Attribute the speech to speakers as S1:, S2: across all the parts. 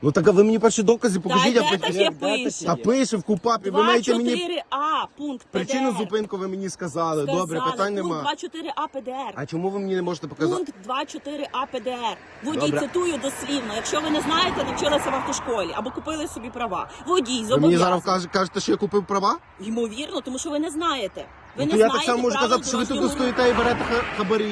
S1: Ну так а ви мені перші докази покажіть,
S2: Та де таке пише?
S1: Та пише в КУПАПі, ви маєте мені
S2: 2.4а, пункт ПДР.
S1: причину зупинку ви мені сказали. Добре, питань нема.
S2: Пункт 2.4а ПДР.
S1: А чому ви мені не можете показати?
S2: Пункт 2.4а ПДР. Водій,
S1: Добре.
S2: цитую дослівно. Якщо ви не знаєте, навчилися в автошколі або купили собі права. Водій
S1: Ви мені
S2: зобов'язаний.
S1: зараз кажете, що я купив права?
S2: Ймовірно, тому що ви не знаєте. Ви
S1: Ну,
S2: не
S1: то я
S2: знаєте
S1: так само можу
S2: правил
S1: казати, що ви тут
S2: дорожнього
S1: стоїте і берете хабарі.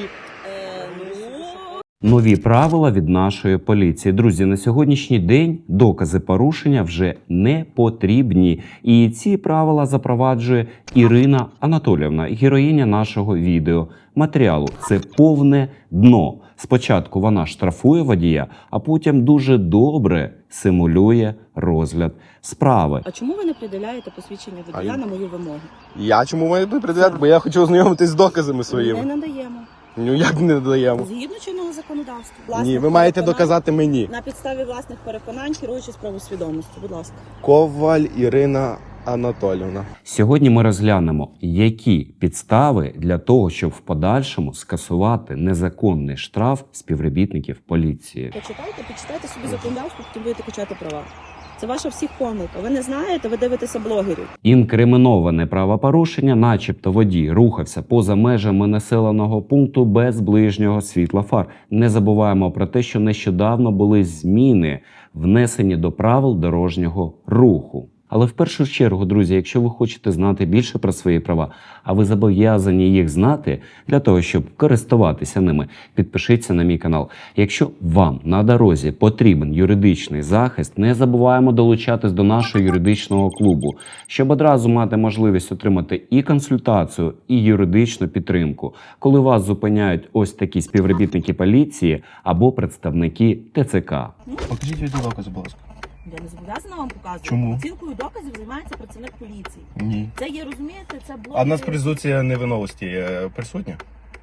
S3: Нові правила від нашої поліції. Друзі, на сьогоднішній день докази порушення вже не потрібні. І ці правила запроваджує Ірина Анатоліївна, героїня нашого відеоматеріалу. Це повне дно. Спочатку вона штрафує водія, а потім дуже добре симулює розгляд справи.
S2: А чому ви не приділяєте посвідчення водія на мою вимогу?
S1: Я чому маю приділяти? Бо я хочу ознайомитись з доказами
S2: Не
S1: своїми.
S2: надаємо.
S1: Ну як не додаємо?
S2: Згідно чинного законодавства.
S1: Ні,
S2: Власних
S1: ви маєте
S2: переконань-
S1: доказати мені.
S2: На підставі власних переконань, керуючись правосвідомості. Будь ласка.
S1: Коваль Ірина Анатоліївна.
S3: Сьогодні ми розглянемо, які підстави для того, щоб в подальшому скасувати незаконний штраф співробітників поліції.
S2: Почитайте собі законодавство, потім будете качати права. Це ваша всіх помилка. Ви не знаєте, ви дивитеся блогерів.
S3: Інкриміноване правопорушення, начебто водій рухався поза межами населеного пункту без ближнього світла фар. Не забуваємо про те, що нещодавно були зміни, внесені до правил дорожнього руху. Але в першу чергу, друзі, якщо ви хочете знати більше про свої права, а ви зобов'язані їх знати для того, щоб користуватися ними, підпишіться на мій канал. Якщо вам на дорозі потрібен юридичний захист, не забуваємо долучатись до нашого юридичного клубу, щоб одразу мати можливість отримати і консультацію, і юридичну підтримку, коли вас зупиняють ось такі співробітники поліції або представники ТЦК.
S1: Покажіть відеодокази, будь ласка.
S2: Я не зобов'язана вам показувати.
S1: Чому?
S2: Оцінкою доказів займається працівник поліції.
S1: Ні.
S2: Це є, розумієте, це блок.
S1: А в нас презумпція невиновності присутня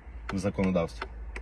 S1: в законодавстві?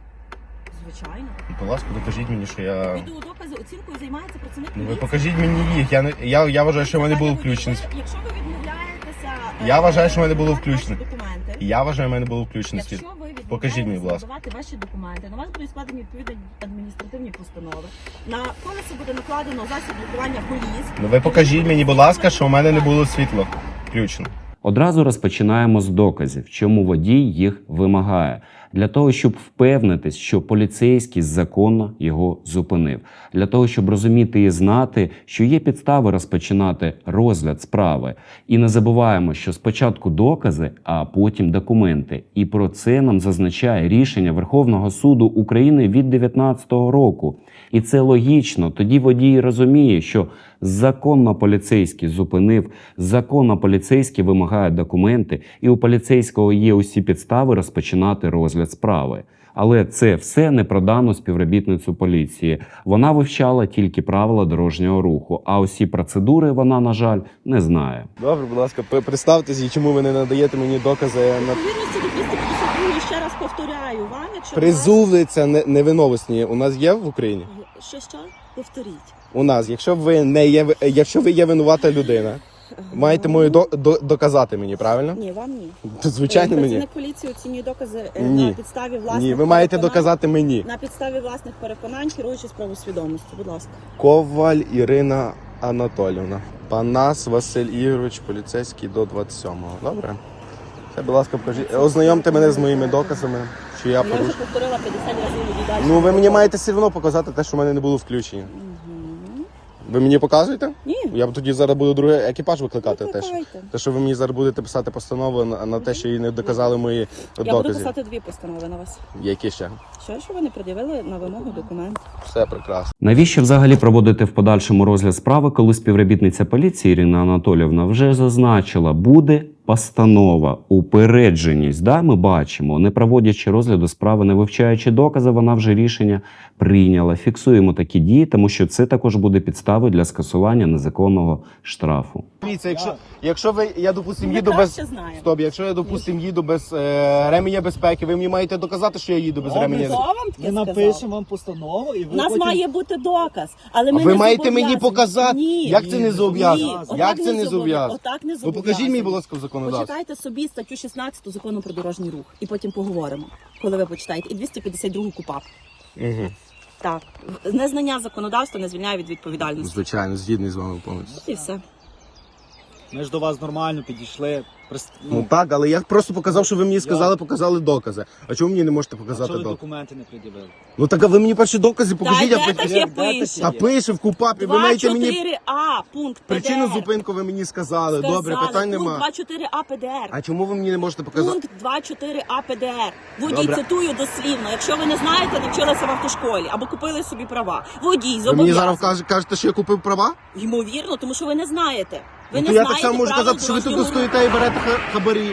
S2: Звичайно.
S1: Будь ласка, докажіть мені, що я...
S2: Відеодокази оцінкою займається працівник
S1: Ну,
S2: поліції.
S1: ви покажіть мені їх. Я вважаю, що в мене було включено.
S2: Якщо ви відмовляєтеся...
S1: Я вважаю, що в мене було
S2: надавати
S1: включено.
S2: ваші документи.
S1: Я вважаю, в мене було включено світ.
S2: Якщо ви
S1: Покажіть мені, будь ласка.
S2: надавати ваші документи, на вас будуть складені відповідні адміністративні постанови. На колесо буде накладено засіб блокування коліс.
S1: Ну ви покажіть мені, будь ласка, що в мене не було світла включено.
S3: Одразу розпочинаємо з доказів, чому водій їх вимагає. Для того, щоб впевнитись, що поліцейський законно його зупинив. Для того, щоб розуміти і знати, що є підстави розпочинати розгляд справи. І не забуваємо, що спочатку докази, а потім документи. І про це нам зазначає рішення Верховного суду України від 2019 року. І це логічно. Тоді водій розуміє, що законно поліцейський зупинив, законно поліцейський вимагає документи, і у поліцейського є усі підстави розпочинати розгляд справи. Але це все не про дану співробітницю поліції. Вона вивчала тільки правила дорожнього руху, а усі процедури вона, на жаль, не знає.
S1: Добре, будь ласка, представтесь і чому ви не надаєте мені докази на...
S2: Відповідності до 252, ще раз повторяю вам, якщо
S1: Презумпція невиновності у нас є в Україні?
S2: Що? Повторіть.
S1: У нас, якщо ви є винувата людина, маєте мою доказати мені, правильно?
S2: Ні, вам ні.
S1: Звичайно, мені.
S2: Працівник поліції оцінює докази
S1: Ні.
S2: на підставі власних
S1: Ні, ви маєте
S2: переконань.
S1: доказати мені.
S2: На підставі власних переконань, керуючись правосвідомості. Будь ласка.
S1: Коваль Ірина Анатоліївна. Панас Василь Ігорович, поліцейський до 27-го. Добре? Це, будь ласка, покажіть. Ознайомте мене з моїми доказами, що я
S2: Я вже
S1: порушив.
S2: повторила 50 разів і далі.
S1: Ну, ви мені маєте все одно показати те, що в мене не було включення. Ви мені показуєте?
S2: Ні.
S1: Я тоді зараз буду другий екіпаж викликати.
S2: Викликайте.
S1: Те, що ви мені зараз будете писати постанову на те, що їй не доказали мої
S2: Я буду
S1: докази.
S2: писати 2 постанови на вас.
S1: Які ще?
S2: Що ви не пред'явили на вимогу документ?
S1: Все прекрасно.
S3: Навіщо взагалі проводити в подальшому розгляд справи, коли співробітниця поліції Ірина Анатоліївна вже зазначила, буде постанова, упередженість. Да, ми бачимо, не проводячи розгляду справи, не вивчаючи докази, вона вже рішення прийняла. Фіксуємо такі дії, тому що це також буде підставою для скасування незаконного штрафу.
S1: Дивіться, якщо я, допустим,
S2: Ми
S1: їду без...
S2: краще знаємо.
S1: Стоп, якщо я, допустим, їду без ременя безпеки, ви мені маєте доказати, що я їду без ременя
S2: Хто
S1: безпеки?
S2: вам таке
S4: Ми
S2: сказав?
S4: напишемо вам постанову і ви
S2: У нас
S4: потім...
S2: має бути доказ, але
S1: А
S2: ми
S1: ви
S2: не
S1: маєте мені
S2: зобов'язані.
S1: показати?
S2: Ні.
S1: Як це не зобов'язано?
S2: Ні, отак
S1: Як це не зобов'язано?
S2: Отак не
S1: Ну
S2: зобов'язано.
S1: покажіть мені, будь ласка, в законодавстві.
S2: Почитайте собі статтю 16 закону про дорожній рух і потім поговоримо, коли ви почитаєте. І 252 КУПАП.
S1: Угу.
S2: Так. Незнання законодавства не звільняє від відповідальності.
S1: Звичайно, згідний з вами повністю.
S2: І все.
S4: Ми ж до вас нормально підійшли.
S1: Ну так, але я просто показав, що ви мені сказали, показали докази. А чому мені не можете
S4: а
S1: показати
S4: чого ви
S1: докази?
S4: документи не пред'явили?
S1: Ну так, а ви мені перші докази покажіть,
S2: Та
S1: а
S2: де
S1: потім...
S2: таке
S4: Де
S2: пише?
S1: А пише в КУПАПі, ви маєте мені
S2: 2.4а, пункт ПДР.
S1: причину зупинку ви мені сказали. Добре,
S2: Сказали,
S1: питань нема.
S2: Пункт 2.4а ПДР.
S1: А чому ви мені не можете показати?
S2: Пункт 2.4а ПДР. Водій,
S1: Добре.
S2: цитую дослівно. Якщо ви не знаєте, навчилися в автошколі або купили собі права. Водій
S1: Ви мені
S2: зобов'язаний.
S1: зараз кажете, що я купив права?
S2: Ймовірно, тому що ви не знаєте. Ви
S1: Ну,
S2: не
S1: то я
S2: знаєте
S1: так само можу
S2: правил
S1: казати, що ви тут
S2: дорожнього руху.
S1: стоїте і берете хабарі.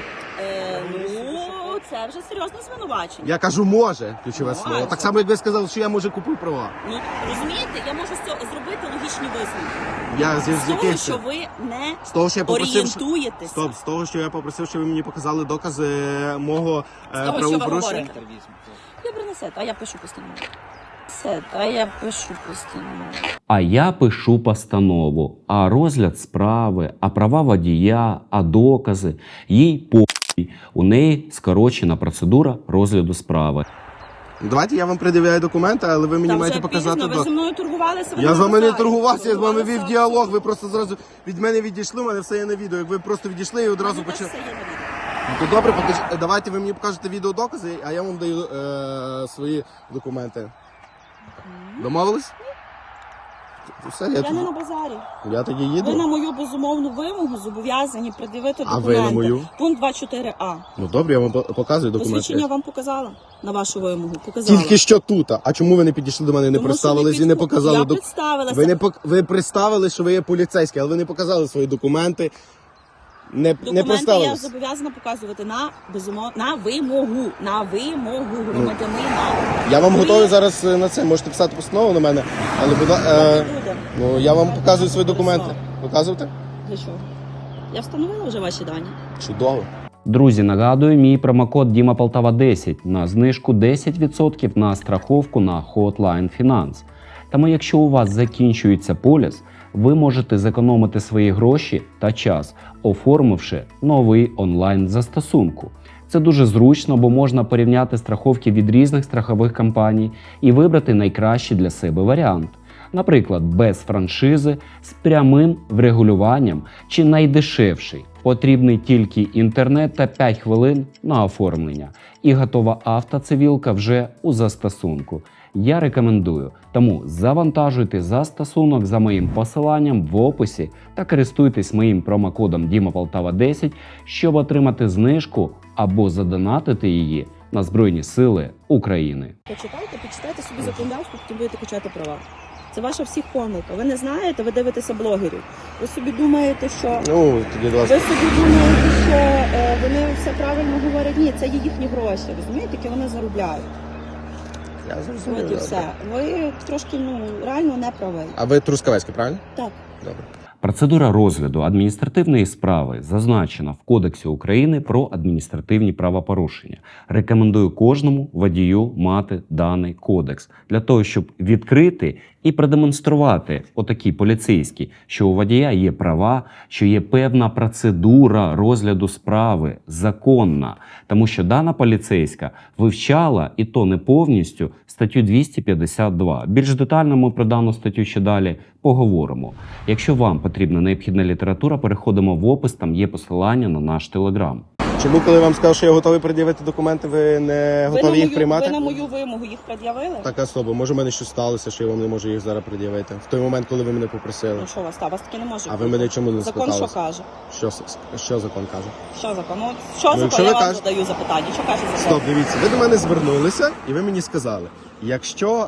S2: Ну, це вже серйозне звинувачення.
S1: Я кажу, може, ключове
S2: Може.
S1: слово. Так само, як ви сказали, що я може купив права.
S2: Ну, розумієте, я можу з цього зробити логічні висновки.
S1: Я з
S2: З того,
S1: яких
S2: що ви не
S1: з того, що я попросив,
S2: орієнтуєтеся.
S1: стоп, з того, що я попросив, щоб ви мені показали докази мого
S2: З того, що ви
S1: правопорушення.
S2: говорите.
S4: Центр візьмемо.
S2: Я принесете, а я пишу постанову. Все, а я пишу постанову.
S3: А я пишу постанову, а розгляд справи, а права водія, а докази. Їй похуй. У неї скорочена процедура розгляду справи.
S1: Давайте я вам пред'являю документи, але ви мені
S2: Та
S1: маєте
S2: вже
S1: показати
S2: пізно, ви зі
S1: докази.
S2: мною торгувалися. ви
S1: Я з вами не
S2: написали.
S1: торгувався, я з вами вів
S2: Торгувалися.
S1: діалог. Ви просто зразу від мене відійшли, у мене все є на відео. Як ви просто відійшли і одразу
S2: Мене теж
S1: почали.
S2: все є на відео.
S1: Ну, то добре, давайте ви мені покажете відеодокази, а я вам даю свої документи. Домовились? Все,
S2: Я не на базарі.
S1: я тоді
S2: Ви на
S1: їду.
S2: мою безумовну вимогу зобов'язані пред'явити
S1: А
S2: документи.
S1: ви на мою?
S2: Пункт 2.4а.
S1: Ну добре, я вам показую
S2: Посвідчення
S1: документи.
S2: вам показала на вашу вимогу. Показала.
S1: Тільки що тут. А чому ви не підійшли до мене, не
S2: Тому що
S1: представились і не показали
S2: Я
S1: документи?
S2: представилася.
S1: Ви представили, що ви є поліцейські, але ви не показали свої документи. Не
S2: Документи я
S1: представились.
S2: зобов'язана показувати на вимогу. На вимогу громадянина.
S1: Я вам
S2: Ви-
S1: готовий зараз на це. Можете писати постанову на мене, але
S2: Люди.
S1: ну я вам показую свої документи. Показувати?
S2: Для чого? Я встановила вже ваші дані.
S1: Чудово.
S3: Друзі, нагадую, мій промокод Діма Полтава 10 на знижку 10% на страховку на Hotline Finance. Тому якщо у вас закінчується поліс, ви можете зекономити свої гроші та час, оформивши новий онлайн-застосунку. Це дуже зручно, бо можна порівняти страховки від різних страхових компаній і вибрати найкращий для себе варіант. Наприклад, без франшизи, з прямим врегулюванням чи найдешевший. Потрібний тільки інтернет та 5 хвилин на оформлення. І готова автоцивілка вже у застосунку. Я рекомендую. Тому завантажуйте застосунок за моїм посиланням в описі та користуйтесь моїм промокодом DIMAPOLTAVA10, щоб отримати знижку або задонатити її на Збройні Сили України.
S2: Почитайте собі законодавство, потім будете качати права. Це ваша всіх помилка. Ви не знаєте, ви дивитеся блогерів. Ви собі думаєте, що
S1: Ну, тоді, будь ласка.
S2: ви собі думаєте, що вони все правильно говорять. Ні, це є їхні гроші. Розумієте, які вони заробляють.
S1: Я
S2: От
S1: зрозумів.
S2: і все. Ви трошки реально не правий.
S1: А ви Трускавецький, правильно?
S2: Так.
S1: Добре.
S3: Процедура розгляду адміністративної справи зазначена в Кодексі України про адміністративні правопорушення. Рекомендую кожному водію мати даний кодекс для того, щоб відкрити і продемонструвати отакій поліцейській, що у водія є права, що є певна процедура розгляду справи, законна. Тому що дана поліцейська вивчала, і то не повністю, статтю 252. Більш детально ми про дану статтю ще далі поговоримо. Якщо вам потрібна необхідна література, переходимо в опис, там є посилання на наш телеграм.
S1: Чому, коли я вам сказав, що я готовий пред'явити документи, ви не готові їх приймати?
S2: Ви на мою вимогу їх пред'явили?
S1: Так, особо. Може, в мене щось сталося, що я вам не можу їх зараз пред'явити. В той момент, коли ви мене попросили.
S2: Ну що у вас там? Вас таки не може
S1: А
S2: бути.
S1: ви мене чому не
S2: Закон
S1: спитали?
S2: що каже?
S1: Що закон каже?
S2: Що закон? Ну, що
S1: Ну, якщо
S2: закон? Я
S1: ви
S2: вам
S1: кажете-
S2: задаю запитання. Що каже закон?
S1: Стоп, дивіться, ви до мене звернулися і ви мені сказали, якщо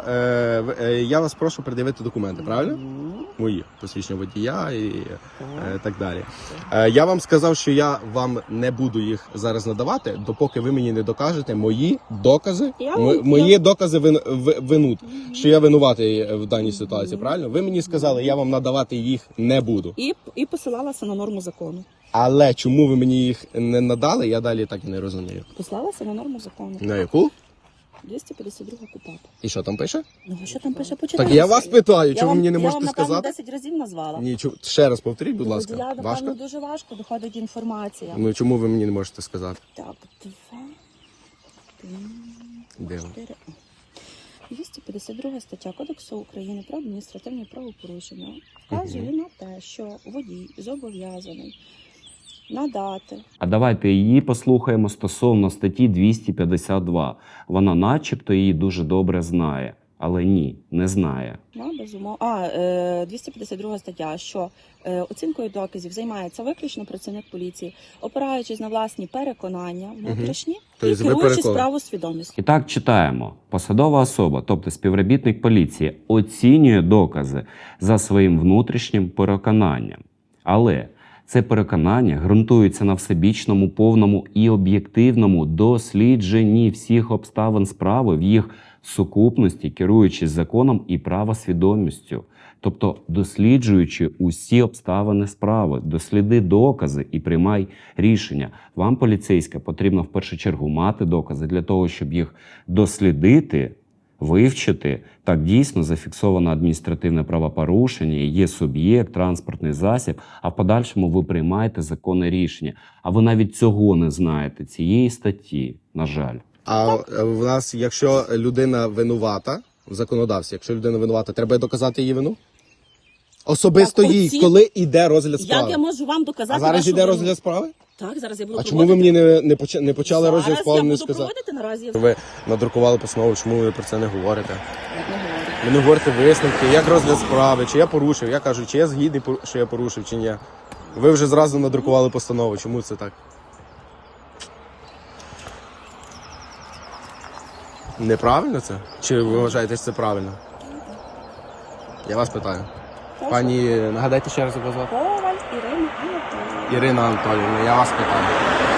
S1: я вас прошу пред'явити документи, правильно? Мої посвідчення водія і так далі. Я вам сказав, що я вам не буду їх зараз надавати, допоки ви мені не докажете мої докази, мої докази винут, що я винуватий в даній ситуації, правильно? Ви мені сказали, я вам надавати їх не буду.
S2: І посилалася на норму закону.
S1: Але чому ви мені їх не надали, я далі так і не розумію.
S2: Послалася на норму закону.
S1: На яку?
S2: 252 КУпАП.
S1: І що там пише?
S2: Ну, а що там пише? Почитайте.
S1: Так я вас питаю,
S2: Я
S1: чому
S2: вам-
S1: мені не
S2: я
S1: можете
S2: вам, напевно,
S1: сказати?
S2: 10 разів назвала.
S1: Ні, ще раз повторіть, будь
S2: Ну,
S1: ласка.
S2: Я, напевно,
S1: Важко?
S2: дуже важко доходить інформація.
S1: Ну чому ви мені не можете сказати?
S2: Так, 2, 3,
S1: Де ви?
S2: 4. 252 стаття Кодексу України про адміністративні правопорушення вказує на те, що водій зобов'язаний надати
S3: А давайте її послухаємо стосовно статті 252. Вона начебто її дуже добре знає, але ні, не знає.
S2: безумовно. 252 стаття, що оцінкою доказів займається виключно працівник поліції, опираючись на власні переконання внутрішні і
S1: Тобто ви
S2: керуючись
S1: переконані.
S2: правосвідомістю.
S3: І так читаємо. Посадова особа, тобто співробітник поліції, оцінює докази за своїм внутрішнім переконанням. Але це переконання ґрунтується на всебічному, повному і об'єктивному дослідженні всіх обставин справи в їх сукупності, керуючись законом і правосвідомістю. Тобто, досліджуючи усі обставини справи, досліди докази і приймай рішення. Вам, поліцейська, потрібно в першу чергу мати докази для того, щоб їх дослідити, вивчити. Так, дійсно зафіксовано адміністративне правопорушення, є суб'єкт, транспортний засіб, а в подальшому ви приймаєте законне рішення. А ви навіть цього не знаєте, цієї статті, на жаль.
S1: А в нас, якщо людина винувата, в законодавстві, якщо людина винувата, треба доказати її вину? Особисто
S2: Так,
S1: їй,
S2: оці-
S1: коли йде розгляд
S2: Як
S1: справи.
S2: я можу вам доказати
S1: А зараз
S2: вашу
S1: йде
S2: вину?
S1: розгляд справи?
S2: Так, зараз я буду
S1: А чому ви
S2: проводити.
S1: мені не почали
S2: Зараз
S1: розгляд справи,
S2: я
S1: не
S2: буду
S1: сказали?
S2: проводити наразі.
S1: Ви надрукували постанову, чому ви про це не говорите?
S2: Як не говорю.
S1: Ви не говорите висновки, як розгляд справи, чи я порушив, я кажу, чи я згідний, що я порушив, чи ні. Ви вже зразу надрукували постанову, чому це так? Неправильно це? Чи ви вважаєте, що це правильно? Я вас питаю.
S2: Прошу.
S1: Пані, нагадайте ще раз, як вас звати?
S2: Коваль Ірина Анатоліївна.
S1: Ірина Анатоліївна, я вас питаю.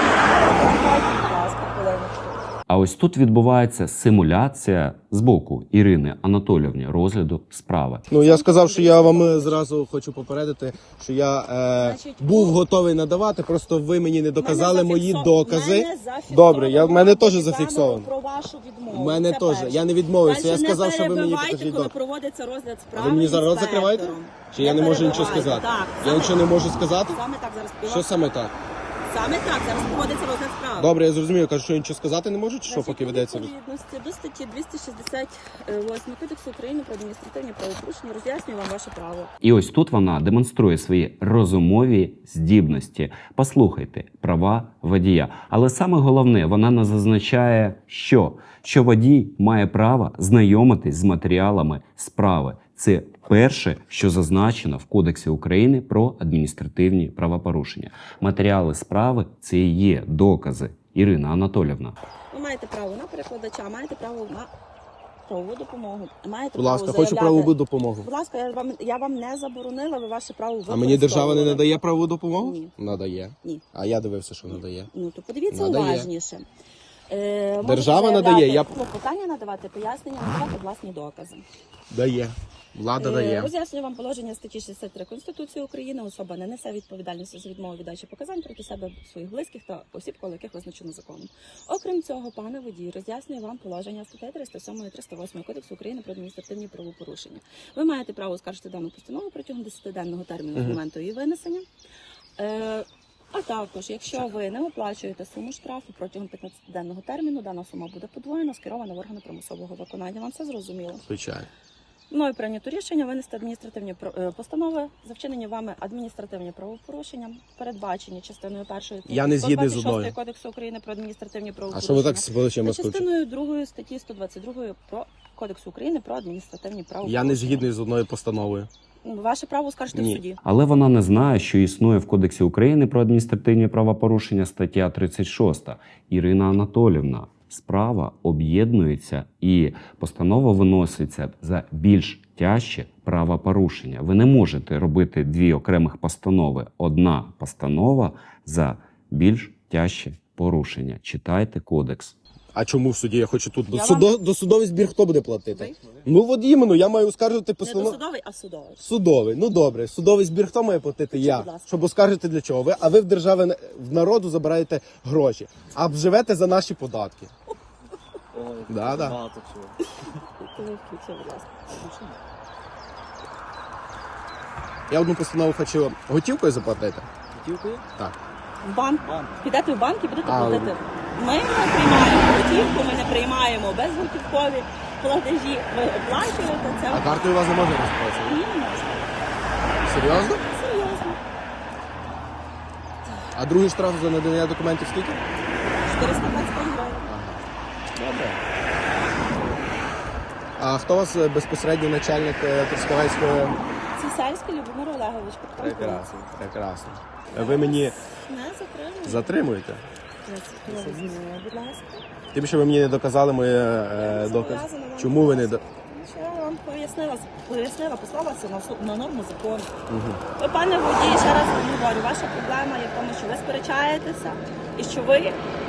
S2: Будь ласка, хвилиночку.
S3: А ось тут відбувається симуляція з боку Ірини Анатоліївни розгляду справи.
S1: Ну, я сказав, що я вам зразу хочу попередити, що я був готовий надавати, просто ви мені не доказали мої докази. Добре, в мене теж зафіксовано.
S2: Про вашу відмову.
S1: В мене
S2: Це
S1: теж.
S2: перше.
S1: Я не відмовився,
S2: Дальше
S1: я сказав,
S2: не
S1: що ви мені
S2: перебивайте,
S1: покажіть
S2: коли
S1: докази.
S2: проводиться розгляд
S1: А
S2: справи.
S1: ви мені зараз рот
S2: інспектором.
S1: закриваєте? Чи я не можу нічого
S2: перебивайте.
S1: сказати?
S2: Так,
S1: Я
S2: саме
S1: нічого не можу сказати?
S2: Саме так зараз
S1: Що саме так?
S2: Саме так зараз проводиться розгляд справи.
S1: Добре, я зрозумів, я кажу, що я нічого сказати не можу, чи що,
S2: Значить,
S1: поки
S2: у
S1: ведеться?
S2: відповідності до статті 268 Кодексу України про адміністративні правопорушення роз'яснюю вам ваше право.
S3: І ось тут вона демонструє свої розумові здібності. Послухайте, права водія. Але саме головне, вона не зазначає, що водій має право знайомитись з матеріалами справи. Це перше, що зазначено в Кодексі України про адміністративні правопорушення. Матеріали справи – це і є докази. Ірина Анатоліївна.
S2: Ви маєте право на перекладача, маєте право на правову допомогу. Маєте
S1: Будь ласка,
S2: право
S1: хочу
S2: заявляти.
S1: правову допомогу.
S2: Будь ласка, я вам не заборонила, ви ваше право
S1: А мені держава не
S2: використовували.
S1: надає правову допомогу?
S2: Ні.
S1: Надає.
S2: Ні.
S1: А я дивився, що надає.
S2: Ну, то подивіться
S1: Надає.
S2: уважніше.
S1: Держава
S2: Можете
S1: надає,
S2: заявляти
S1: я-
S2: клопотання, надавати пояснення, надавати власні докази.
S1: Дає. Влада дає.
S2: Роз'яснюю вам положення статті 63 Конституції України. Особа не несе відповідальності за відмову від дачі показань проти себе, своїх близьких та осіб, коло яких визначено законом. Окрім цього, пане водій, роз'яснюю вам положення статей 307 і 308 Кодексу України про адміністративні правопорушення. Ви маєте право оскаржити дану постанову протягом 10-денного терміну з моменту її винесення. А також, якщо ви не оплачуєте суму штрафу протягом 15-денного терміну, дана сума буде подвоєна, скерована в органи примусового виконання. Вам це зрозуміло?
S1: Звичайно.
S2: Мною прийнято рішення винести адміністративні постанови за вчинені вами адміністративні правопорушення, передбачені частиною 1
S1: Я не згідний з
S2: 126
S1: одною.
S2: Кодексу України про адміністративні
S1: А
S2: правопорушення.
S1: що ви так з плечима
S2: та
S1: скручуєте?
S2: частиною 2 статті 122 про Кодексу України про адміністративні правопорушення.
S1: Я не згідний з одною постановою.
S2: Ваше право скажете в
S1: Ні.
S2: суді.
S3: Але вона не знає, що існує в Кодексі України про адміністративні правопорушення стаття 36. Ірина Анатоліївна, справа об'єднується і постанова виноситься за більш тяжче правопорушення. Ви не можете робити дві окремих постанови. Одна постанова за більш тяжче порушення. Читайте кодекс.
S1: А чому в суді? Я хочу тут.
S2: Я вам-
S1: Досудовий збір хто буде платити?
S2: Ви?
S1: Ну от іменно, я маю оскаржити
S2: Не
S1: постанову.
S2: досудовий, а судовий.
S1: Судовий. Ну добре, судовий збір хто має платити? Я.
S2: будь ласка.
S1: Щоб оскаржити для чого? А ви в держави в народу забираєте гроші, а живете за наші податки.
S4: Ой,
S1: Да.
S4: багато чого.
S2: Коли включив, будь ласка.
S1: Я одну постанову хочу готівкою заплатити.
S4: Готівкою?
S1: Так.
S2: В банк.
S4: Банк.
S2: Підете в банк і будете
S1: А,
S2: платити. Ми не приймаємо готівку, ми не приймаємо безготівкові платежі ви оплачуєте, це
S1: А картою у вас не можна розплачувати?
S2: ні, не можна.
S1: Серйозно?
S2: Серйозно.
S1: А другий штраф за надання документів скільки?
S2: 425 гривень.
S1: Добре. А хто у вас безпосередньо начальник Трускавецького?
S2: Цісарський Любомир Олегович, капітан
S1: Прекрасно,
S2: поліції.
S1: прекрасно. Ви мені
S2: Не затримуєте.
S1: затримуєте?
S2: Будь ласка.
S1: Тим, що ви мені не доказали моє доказ.
S2: Зобов'язана вам
S1: Чому ви не до...
S2: Що я вам пояснила, послалася на норму закону.
S1: Угу.
S2: Ви, пане водій, ще раз вам говорю, ваша проблема є в тому, що ви сперечаєтеся і що ви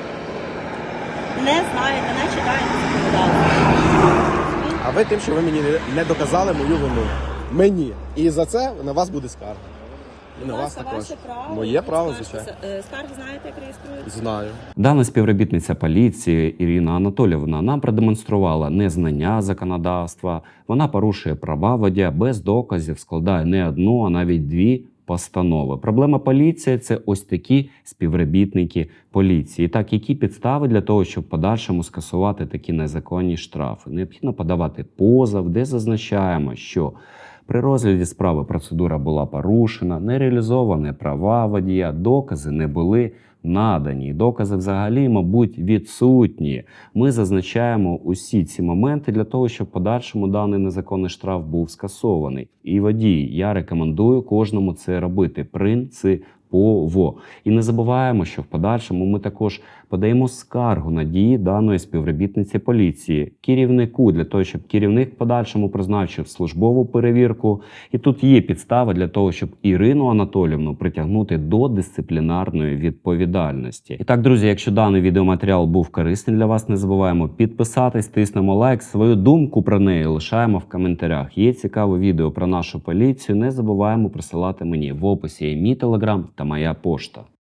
S2: не знаєте, не читаєте законодавство.
S1: А ви тим, що ви мені не доказали мою вину. Мені. І за це на вас буде скарга. І на вас
S2: Це
S1: також.
S2: ваше право.
S1: Моє право,
S2: Скарги-
S1: звичайно.
S2: Скарги знаєте, як реєструються?
S1: Знаю.
S3: Дана співробітниця поліції Ірина Анатоліївна нам продемонструвала незнання законодавства. Вона порушує права водія без доказів, складає не одну, а навіть дві постанови. Проблема поліції – це ось такі співробітники поліції. І так, які підстави для того, щоб в подальшому скасувати такі незаконні штрафи? Необхідно подавати позов, де зазначаємо, що при розгляді справи процедура була порушена, не реалізовані права водія, докази не були надані. Докази взагалі, мабуть, відсутні. Ми зазначаємо усі ці моменти для того, щоб в подальшому даний незаконний штраф був скасований. І водій, я рекомендую кожному це робити принципово. І не забуваємо, що в подальшому ми також подаємо скаргу на дії даної співробітниці поліції керівнику, для того, щоб керівник в подальшому призначив службову перевірку. І тут є підстава для того, щоб Ірину Анатоліївну притягнути до дисциплінарної відповідальності. І так, друзі, якщо даний відеоматеріал був корисний для вас, не забуваємо підписатись, тиснемо лайк, свою думку про неї лишаємо в коментарях. Є цікаве відео про нашу поліцію, не забуваємо присилати мені. В описі є мій телеграм та моя пошта.